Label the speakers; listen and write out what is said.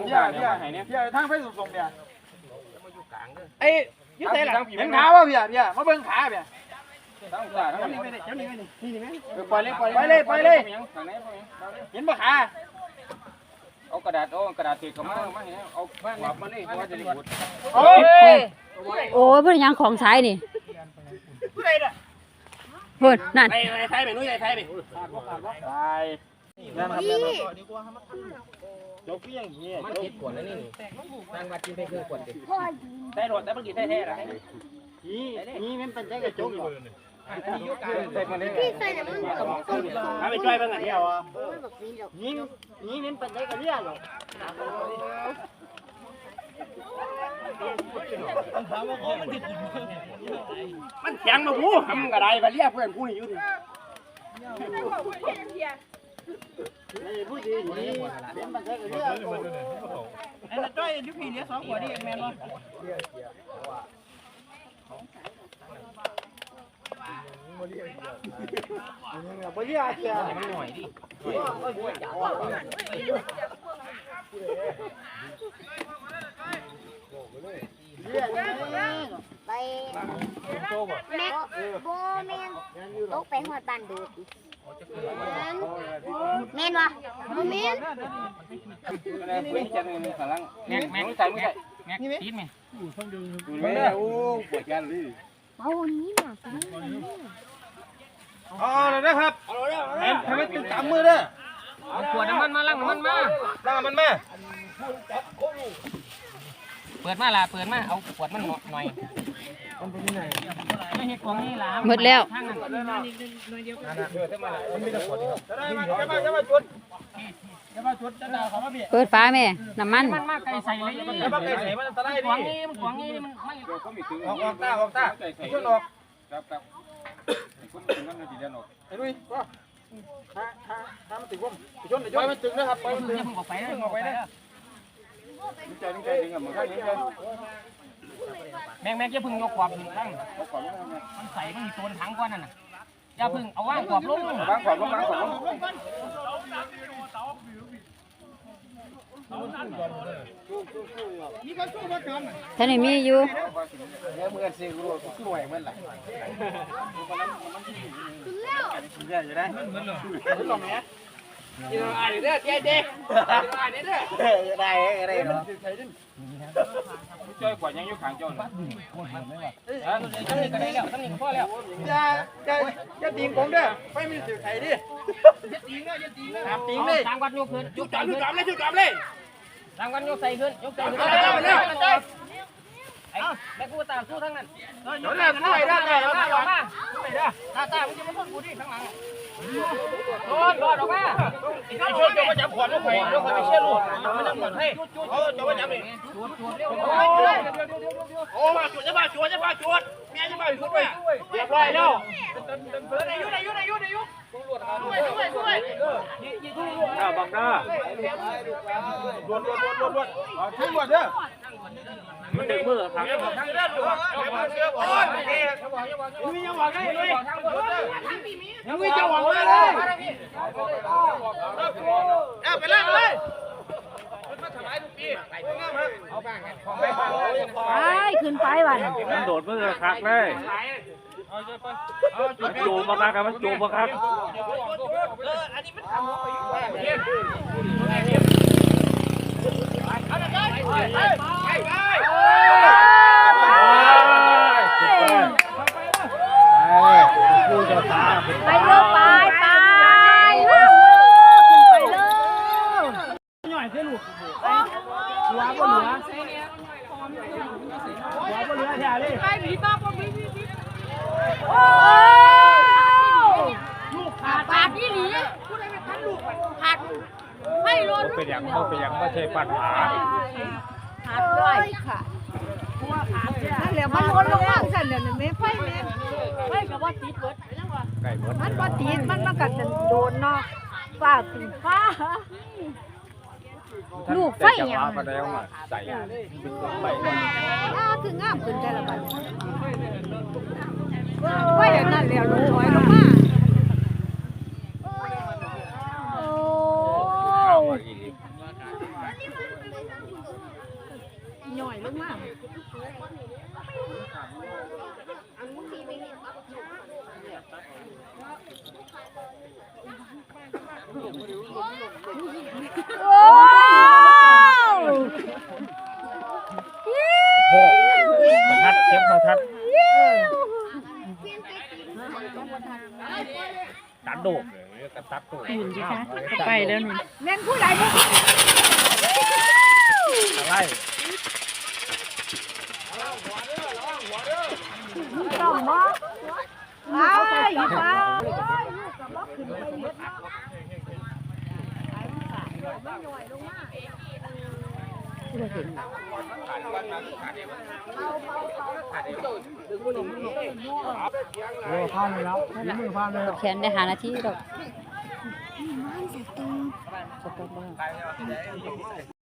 Speaker 1: เพี่ยทางไปส่งเนี่ยไอ้ยืดเส้นหลังเห็นขาป่ะพี่มาเบิ่งขาพี่ทั้งขาทั้งนี้ปล่อยเลยเห็นป่ะขาเอากระดาษติดกับมาเอาขวบมาเลยเพราะว่าจะได้ขุดโอ้
Speaker 2: ยเพื่อนยังของใช้นี่เพื่อนนั่น
Speaker 1: ไทยไปนู้นไทยไปตายนั่นครับจบพี่อย่างนี้มันคิดขวดแล้วนี่นางมากินไปคือขวดดิได้รถได้เมื่อกี้แท้ๆแล้วนี่มันเป็นใจกระจกอยู่พี่ใส่เนี่ยมึงถ้าไปช่วยบ้างอ่ะเนี่ยนี่มันเป็นใจกระเลี้ยหรอมันแข็งมาบูทำกระไรไปเรียกเพื่อนผู้นี้อยู่ดิผู้ดีนี่เป็นมันได้เรียกไอ้จ้อยยุพีเลี้ย2 ขวดนี่เองแม่เนาะบริยาเชียมันหน่อยดิ
Speaker 3: ไปแม็กโบแมนตกไปหอดบ้านดูดแมนวะโบแมน
Speaker 1: แม็กใส่ไม่ใส่แม็กตีนไหมไม่โอ้ปวดกันเลย
Speaker 3: เอานี้มา
Speaker 1: เอาเลยนะครับให้มันตึงตามมือเด้อ
Speaker 4: เอาขวดน้ำมันมาล้างน้ำมันมาเปิดมาล่ะเปิดมาเอาขวดมันหน่อยไม่เห็นของนี่ล่ะ
Speaker 2: หมดแล้วเปิดฟ้าแม่น้ำมัน
Speaker 4: มาไก่ใส่เลย
Speaker 1: มันตะไลดิ
Speaker 4: ของนี่มันไม่
Speaker 1: ออกตาช่วยออกครับคุณนั่นน่ะสิเดินออกไอ้ดุ้ยว่าถ้ามันติดวงชนไอ้จ้อยมันตึงนะครับไปมันตึง
Speaker 4: ออกไปนะ
Speaker 1: ใจดึงกับมันข้างนี้เลย
Speaker 4: แม่อย่าพึ่งยกขวบถึงตั้งมันใส่มันมีตัวถังก้อนนั่นน่ะอย่าพึ่งเอาว่างขวบลง
Speaker 2: ท่านนี่มีอยู่
Speaker 1: เมื่อซื้อรู้สวยเหมือนไรจะได้ลองเนี้ยอะไรเด้อเจ๊เด้อเนาะช่วยกว่ายังยุคขางโจร
Speaker 4: ตั้งนี่ก็ได้แล้วตั้งนี่ก็พอแล้ว
Speaker 1: อย่าตีงผมเด้อไปมีสื่อไทยดิอย่าตีงเลย
Speaker 4: ทางวัดยกขึ้น
Speaker 1: ยุกจอมเลย
Speaker 4: ทางวัดยกใส่ขึ้นยกใส่ขึ้นไอ้แม่กูตามสู้ทั้งนั้น
Speaker 1: เดี๋ยวเนี่ยช่วยได้เลย
Speaker 4: ออกมาตามึงจะมาพ่นกูดิข้างหลังรอดออกมา
Speaker 1: ไอ้ช่วยจะมาจับขวดลูกไข่ลูกไข่ไม่เชื่อลูกมันจะหมดให้จะมาจับเองโอ้มาจุดจะมาจุดแม่จะมาจุดไปเรียบร้อยแล้วยุ่งบังหน้าดวนช่วยดวนเด้อมันดึงมือทางยังบอกได้เลยยังมีจะหวังเลยไปเลย
Speaker 2: ขึ้นไปวัน
Speaker 1: มันโดดมือคักเลยมันจูบมาคักอันนี้มันทำ
Speaker 2: ไปเร็วไป
Speaker 1: หน่อยเส้นลูกหัวก็เหลือแถวเลย
Speaker 2: โอ้ลูกขาดที่หนีขาดไม่ล้น
Speaker 1: เป็นอย่างไม่ใช่ปัญหา
Speaker 2: ขาดด้วยค่ะนั่นแหละมันล้นลงมาสั่นเดี๋ยวนี้ไม่กับว่าติดเบิดมันว่าติดมันกัดโดนเนาะฝ้าตีฟ้าลูกไฟอย่าง
Speaker 1: มาแล้วมาใส่
Speaker 2: คืองามขึ้นใจละบัดว่าอย่างนั้นแล้วลูกถอยลงมาโอ้ย่อยลงมา
Speaker 3: โอ้
Speaker 4: พ่อทัดเก็บมาทัดตัดโดกเลยตัดโดก
Speaker 5: หุ่นสิคะไปแล้วนี่
Speaker 2: แม่นผู้ใดบ่
Speaker 4: อะไร
Speaker 2: ต้องบ่อ้ายอีฟ้า
Speaker 5: แขนได้หานาทีดอก
Speaker 3: มันสตู